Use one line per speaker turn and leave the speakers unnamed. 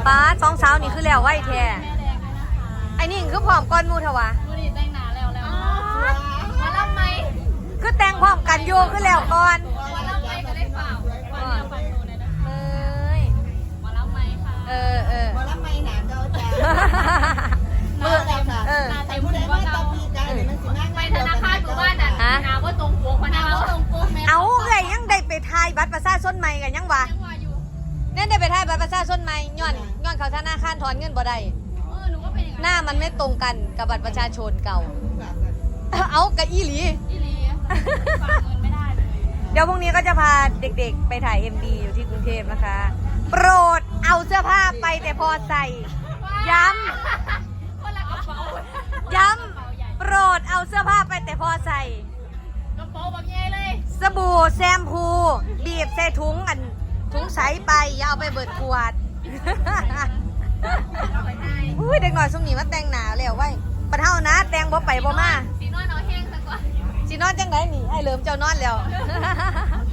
ป้าสองสาวนี่คือแล้วไหวแท้ไอ้นี่คือพร้อมก้อนมูทวะ
วันนี้แต่งหนาแล้วมารับไหม
คือแต่งพร้อมกันโยคือแล้วก่อน
มารับไหมก็ได้เปล่าวันนี้ฟังดูเลยนะ
เอ้ย
มารับไหมค่ะ
เออ
มาแล้วไม่หนาเก่าจ้า
มือเออ
นาเต็มหัวเราไปธนาคารหมู่บ้านน่ะนาว่าตรงโป๊กพนักตรงโป๊กแม่
เอาเลยยังได้ไปทายบัตรประชาชนใหม่กันยังวะ
ยังว่าอยู่
เนี่ยได้ไปทายบัตรประชาชนใหม่ย้อนเขาธนาคารถอนเงินบ่ได้
หนูก็เป็นอย่าง
หน้ามันไม่ตรงกันกับบัตรประชาชนเก่า เอากะอีหลี
อีลีฝากเงินไม่ได้เลย
เดี๋ยวพรุ่งนี้ก็จะพาเด็กๆไปถ่าย MV อยู่ที่กรุงเทพนะคะ โปรดเอาเสื้อผ้าไปแต่พอใส่ ย้ำ
คนละกระเป๋า
ย้ำ โปรดเอาเสื้อผ้าไปแต่พอใส่
กระเป๋าแบบใหญ่เลย
สบู่แชมพูบีบใส่ถุงถุงใสไปอย่าเอาไปเบิดขวด อุ้ยเด็กหน่อยช่วงนี้มาแต่งหนาแล้วไว้ปะเท่านะแต่งบ่ไปบ่มา
สีนวลเอาแห้งสักก่อน
สินอนจังไหนนี่ไอ้เหลิมเจ้านอนแล้ว